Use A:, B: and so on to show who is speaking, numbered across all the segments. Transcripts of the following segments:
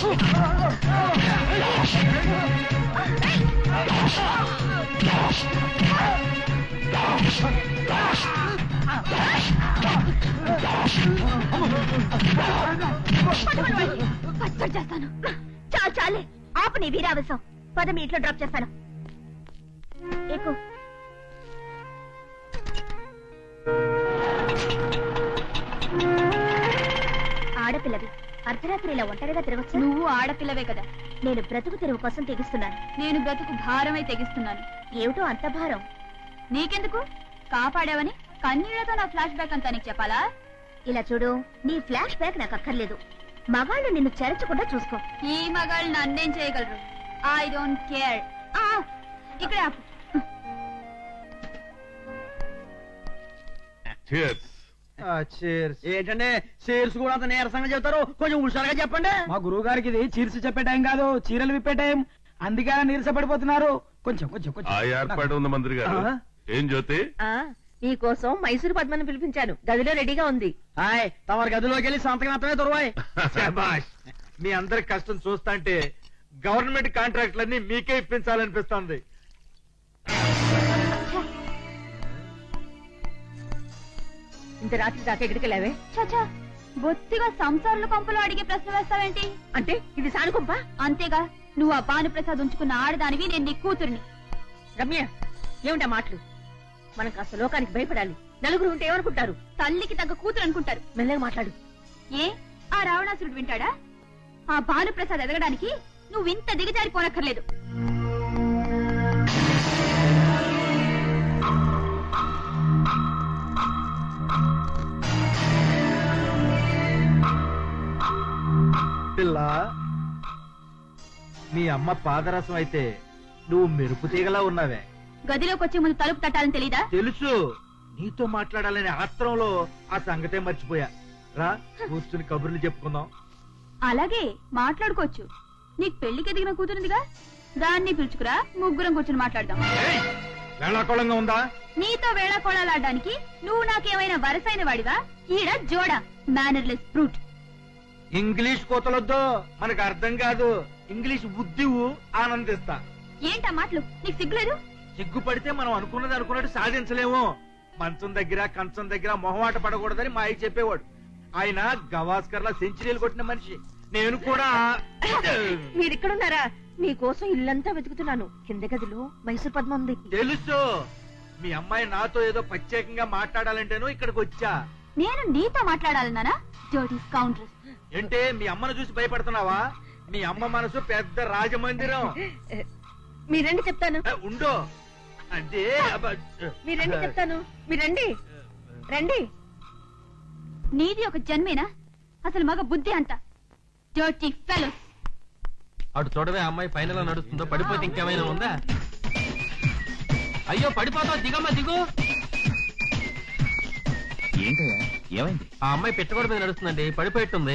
A: చేస్తాను. చాలు చాలే, ఆపు నీ వీరావేశం. పద మీ ఇంట్లో డ్రాప్ చేస్తాను. ఎక్కువ ఆడపిల్లవి అర్ధరాత్రి ఇలా ఒంటరిగా తిరగచ్చు.
B: నువ్వు ఆడపిల్లవే కదా.
A: నేను బ్రతుకు తెరువు కోసం తెగిస్తున్నాను.
B: నేను బ్రతుకు భారమై తెగిస్తున్నాను.
A: ఏమిటో అంత భారం?
B: నీకెందుకు? కాపాడావని కన్నీళ్లతో నా ఫ్లాష్ బ్యాక్ అంతా నీకు చెప్పాలా?
A: ఇలా చూడు, నీ ఫ్లాష్ బ్యాక్ నాకు అక్కర్లేదు. మగాళ్ళు నిన్ను చెరచకుండా చూసుకో.
B: ఈ మగాళ్ళు నన్నేం చేయగలరు? I don't care. ఇక్కడ ఆపు.
C: ఏంటంటే చీర్స్ కూడా అంత నీరసంగా చెప్తారు, కొంచెం హుషారుగా చెప్పండి.
D: మా గురువు గారికి ఇది చీర్స్ చెప్పే టైం కాదు, చీరలు విప్పే టైం. అందుకే నీరస పడిపోతున్నారు. కొంచెం కొంచెం కొంచెం
E: ఏర్పాటు ఉంది మంత్రి గారు. ఏం జ్యోతి?
A: నీకోసం మైసూరు పద్మని పిలిపించాను, గదిలో రెడీగా ఉంది.
C: హాయ్, తమరి గదిలోకి వెళ్ళి సంతకం మాత్రమే దొరవాయి. మీ అందరి కష్టం చూస్తాంటే గవర్నమెంట్ కాంట్రాక్ట్లన్నీ మీకే ఇప్పించాలనిపిస్తుంది.
A: ఇంత రాత్రి దాకా ఎక్కడికి వెళ్ళావే?
B: చచ్చా, బొత్తిగా సంసారుల కొంపలో అడిగే ప్రశ్న వేస్తావేంటి?
A: అంటే ఇది సానుకొంప?
B: అంతేగా, నువ్వు ఆ భానుప్రసాద్ ఉంచుకున్న ఆడదానివి, నేను నీ కూతుర్ని.
A: రమ్య, ఏమిటా మాటలు? మనం కాస్త లోకానికి భయపడాలి. నలుగురు ఉంటే ఏమనుకుంటారు?
B: తల్లికి తగ్గ కూతురు అనుకుంటారు.
A: మెల్లగా మాట్లాడు.
B: ఏ ఆ రావణాసురుడు వింటాడా? ఆ భానుప్రసాద్ ఎదగడానికి నువ్వు ఇంత దిగజారిపోనక్కర్లేదు.
C: పిల్ల, మీ అమ్మ పాదరసం అయితే నువ్వు మెరుపు తీగలా ఉన్నావే.
B: గదిలోకి వచ్చే ముందు తలుపు తట్టాలని తెలీదా?
C: తెలుసు, నీతో మాట్లాడాలనే ఆత్రంలో ఆ సంగతే మర్చిపోయా. రా, కూర్చుని కబుర్లు చెప్పుకుందాం.
B: అలాగే మాట్లాడుకోవచ్చు. నీకు పెళ్లికి ఎదిగిన కూతురుందిగా, దాన్ని పిలుచుకురా, ముగ్గురం కూర్చుని మాట్లాడదాం.
C: వేళాకోళంగా ఉందా?
B: నీతో వేళాకోళాలాడడానికి నువ్వు నాకేమైనా వరసైన వాడివా? ఈడ జోడా, మేనర్లెస్ ఫ్రూట్.
C: ఇంగ్లీష్ కోతలొద్దు, మనకు అర్థం కాదు. ఇంగ్లీష్ బుద్ధివు ఆనందిస్తా.
B: ఏంటా మాటలు? నీకు సిగ్గులేదు?
C: సిగ్గుపడితే మనం అనుకున్నది అనుకున్నట్టు సాధించలేము. మంచం దగ్గర కంచం దగ్గర మొహమాట పడకూడదని మా అయ్య చెప్పేవాడు. ఆయన గవాస్కర్ లా సెంచరీలు కొట్టిన మనిషి. నేను కూడా.
A: మీరిక్కడున్నారా? మీకోసం ఇల్లంతా వెతుకుతున్నాను. కింద గదిలో మైసూర్ పద్మ ఉంది.
C: తెలుసు, మీ అమ్మాయి నాతో ఏదో ప్రత్యేకంగా మాట్లాడాలంటేను ఇక్కడికి వచ్చా.
B: నేను నీతో మాట్లాడాలన్నానా? జోడీ కౌంటర్స్.
C: ఏంటే, మీ అమ్మను చూసి భయపడుతున్నావా? మీ అమ్మ మనసు పెద్ద రాజమందిరం.
A: మీరండి చెప్తాను.
C: ఉండో అంటే
A: మీరండి చెప్తాను. మీరండి, రండి.
B: నీది ఒక జన్మేనా? అసలు మగ బుద్ధి అంత డర్టీ ఫెలోస్.
F: అటు చూడవే, అమ్మాయి పైన నడుస్తుందో, పడిపోతే ఇంకేమైనా ఉందా? అయ్యో పడిపోతావు, దిగమ్మా దిగు.
G: ఏంటయ్యా, ఏమైంది?
F: ఆ అమ్మాయి పెట్టగోడ మీద నడుస్తుందండి, పడిపోయిట్టుంది.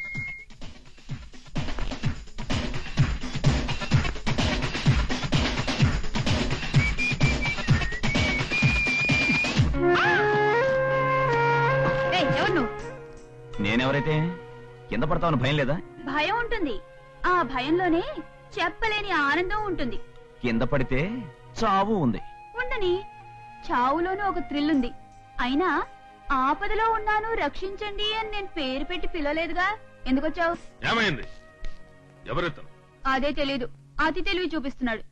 G: నేనెవరైతే కింద పడతావని భయం లేదా?
B: భయం ఉంటుంది. ఆ భయంలోనే చెప్పలేని ఆనందం ఉంటుంది.
G: కింద పడితే చావు ఉంది.
B: ఉండని, చావులోనూ ఒక థ్రిల్ ఉంది. అయినా ఆపదలో ఉన్నాను రక్షించండి అని నేను పేరు పెట్టి పిలవలేదుగా. ఎందుకొచ్చావు?
E: ఏమైంది? ఎవరెత్తాను?
B: అదే తెలీదు. అతి తెలివి చూపిస్తున్నాడు.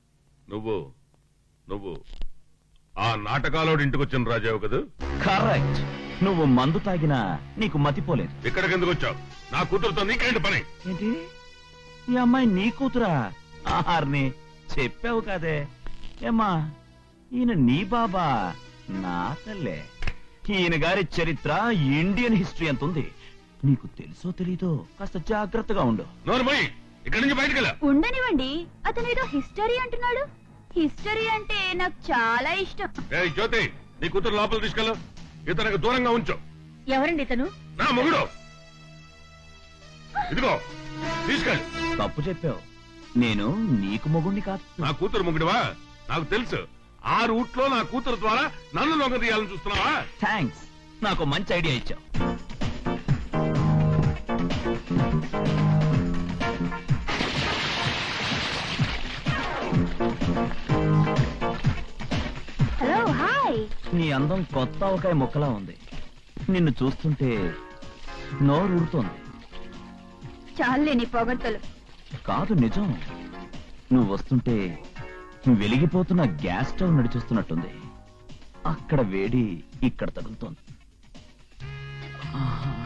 E: నువ్వు ఆ నాటకాలోడి ఇంటికి వచ్చిన రాజావు కదా?
G: కరెక్ట్. నువ్వు మందు తాగినా నీకు మతిపోలేదు.
E: ఇక్కడికి ఎందుకు వచ్చావు? నా కూతురుతో నీకేంటి పని?
G: ఏంటి, ఈ అమ్మాయి నీ కూతురా? ఆహార్ని చెప్పావు కదే. ఏమ్మా, ఈయన నీ బాబా? నా తల్లే. ఈయన గారి చరిత్ర ఇండియన్ హిస్టరీ ఎంత ఉంది నీకు తెలుసో తెలీదో? కాస్త జాగ్రత్తగా ఉండు.
E: నోరుమోయ్, ఇక్కడి నుంచి బయటకెళ్ళా.
B: ఉండనివ్వండి, అతనేదో హిస్టరీ అంటున్నాడు. హిస్టరీ అంటే నాకు చాలా ఇష్టం.
E: జ్యోతి, నీ కూతురు లోపల తీసుకెళ్ళు. ఇతనికి దూరంగా ఉంచు.
A: ఎవరండి ఇతను?
E: నా మొగుడు. ఇదిగో తీసుకెళ్ళి.
G: తప్పు చెప్పావు. నేను నీకు మొగుణ్ణి కాదు.
E: నా కూతురు మొగుడివా? నాకు తెలుసు. ఆ రూట్ లో నా కూతురు ద్వారా నన్ను లొంగ తీయాలని చూస్తున్నావా?
G: థ్యాంక్స్, నాకు మంచి ఐడియా ఇచ్చావు. అందం కొత్త ఆవకాయ మొక్కలా ఉంది. నిన్ను చూస్తుంటే నోరు ఊరుతోంది.
B: చాలే నీ పొగడ్తలు.
G: కాదు నిజం. నువ్వు వస్తుంటే వెలిగిపోతున్న గ్యాస్ స్టవ్ నడిచొస్తున్నట్టుంది. అక్కడ వేడి ఇక్కడ తగులుతోంది. ఆహా.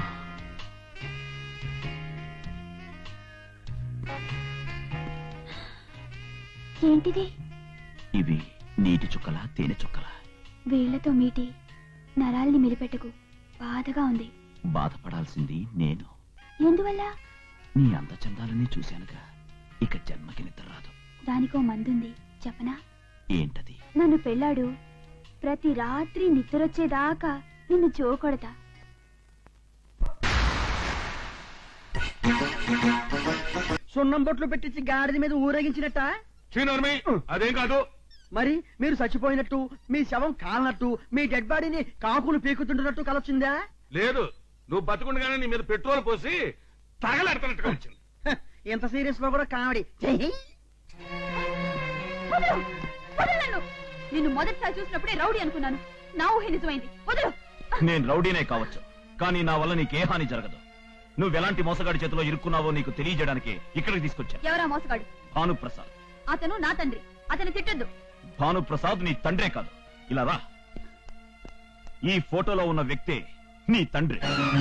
B: ఏంటిది?
G: ఇవి నీటి చుక్కల తేనె చుక్కల.
B: వేళ్లతో మీటి నరాల్ని మెలిపెట్టకు, బాధగా ఉంది.
G: బాధపడాల్సింది నేను.
B: ఎందువల్ల?
G: నీ అందచందాలన్నీ చూశానుగా, ఇక జన్మకి నిద్ర రాదు.
B: దానికో మందుంది, చెప్పనా?
G: ఏంటది?
B: నన్ను పెళ్ళాడు, ప్రతి రాత్రి నిద్రొచ్చేదాకా నిన్ను జోకొడతా.
H: సున్నం బొట్లు పెట్టించి గాడిద మీద ఊరేగించినట్ట.
E: శ్రీనర్మి, అదేం కాదు.
H: మరి మీరు చచ్చిపోయినట్టు, మీ శవం కాలనట్టు, మీ డెడ్ బాడీని కాకులు పీకుతుంటున్నట్టు కలొచ్చిందా?
E: లేదు, నువ్వు బతుకుండగానే నీ మీద పెట్రోల్ పోసి తగలెడతానట్టుగా వచ్చింది.
H: హ, ఇంత సీరియస్ లో కూడా కామెడీ. చెయ్యి.
B: వదలు! వదలు నన్ను! నిన్ను మొదటిసారి చూసినప్పుడే రౌడీ అనుకున్నాను. నా ఊహే నిజమైంది. వదలు!
G: నేను రౌడీనే కావచ్చు, కానీ నా వల్ల నీకే హాని జరగదు. నువ్వెలాంటి మోసగాడి చేతిలో ఇరుక్కున్నావో నీకు తెలియజేయడానికి ఇక్కడికి తీసుకొచ్చా.
B: ఎవరా మోసగాడు?
G: భానుప్రసాద్.
B: అతను నా తండ్రి. అతను తిట్టద్దు.
G: భానుప్రసాద్ నీ తండ్రే కాదు. ఇలా రా. ఈ ఫోటోలో ఉన్న వ్యక్తే నీ తండ్రి.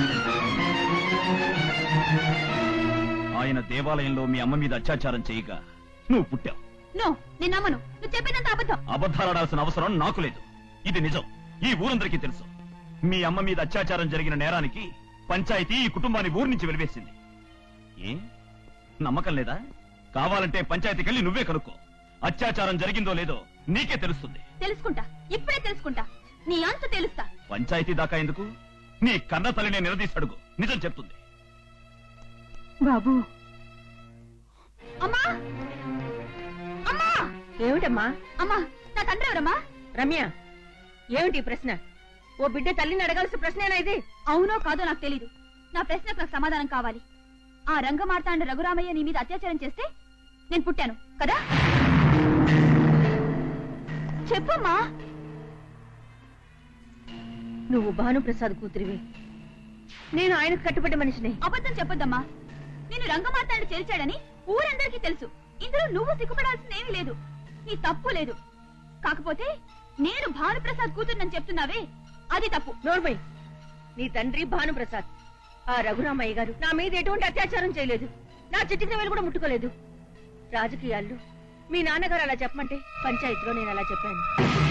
G: ఆయన దేవాలయంలో మీ అమ్మ మీద అత్యాచారం చేయగా నువ్వు పుట్టావు.
B: నో, నేను నమ్మను. నువ్వు చెప్పేదంత అబద్ధం.
G: అబద్ధాలాడాల్సిన అవసరం నాకు లేదు. ఇది నిజం. ఈ ఊరందరికీ తెలుసు. మీ అమ్మ మీద అత్యాచారం జరిగిన నేరానికి పంచాయతీ ఈ కుటుంబాన్ని ఊరి నుంచి వెలివేసింది. ఏ నమ్మకం లేదా? కావాలంటే పంచాయతీకి వెళ్ళి నువ్వే కనుక్కో. అత్యాచారం జరిగిందో లేదో నీకే తెలుస్తుంది.
B: తెలుసుకుంటా, ఇప్పుడే తెలుసుకుంటా. నీ అంత తెలుస్తా.
G: పంచాయతీ దాకా ఎందుకు? నీ కన్న తల్లినే నిలదీసి నిజం చెప్తుంది.
B: బాబు. అమ్మా! అమ్మా!
A: ఏమిటమ్మా?
B: అమ్మా, నా తండ్రి ఎవరమ్మా?
A: రమ్య, ఏమిటి ఈ ప్రశ్న? ఓ బిడ్డ తల్లిని అడగాల్సిన ప్రశ్నేనా ఇది?
B: అవునో కాదో నాకు తెలీదు. నా ప్రశ్నకు నాకు సమాధానం కావాలి. ఆ రంగమార్తాండ రఘురామయ్య నీ మీద అత్యాచారం చేస్తే నేను పుట్టాను కదా? చెప్పమ్మా.
A: నువ్వు భానుప్రసాద్ కూతురివి. నేను ఆయనకు కట్టుబడ్డ మనిషిని.
B: అబద్ధం చెప్పొద్దమ్మా. నేను రంగమార్తాండ చేర్చాడని ఊరందరికీ తెలుసు. ఇందులో నువ్వు సిగ్గుపడాల్సిందేమీ లేదు. నీ తప్పు లేదు. కాకపోతే నేను భానుప్రసాద్ కూతురునని చెప్తున్నావే, అది తప్పు.
A: నోర్మై, నీ తండ్రి భానుప్రసాద్. ఆ రఘురామయ్య గారు నా మీద ఎటువంటి అత్యాచారం చేయలేదు. నా చిటికిన వేలు కూడా ముట్టుకోలేదు. రాజకీయాల్లో మీ నాన్నగారు అలా చెప్పమంటే పంచాయతీలో నేను అలా చెప్పాను.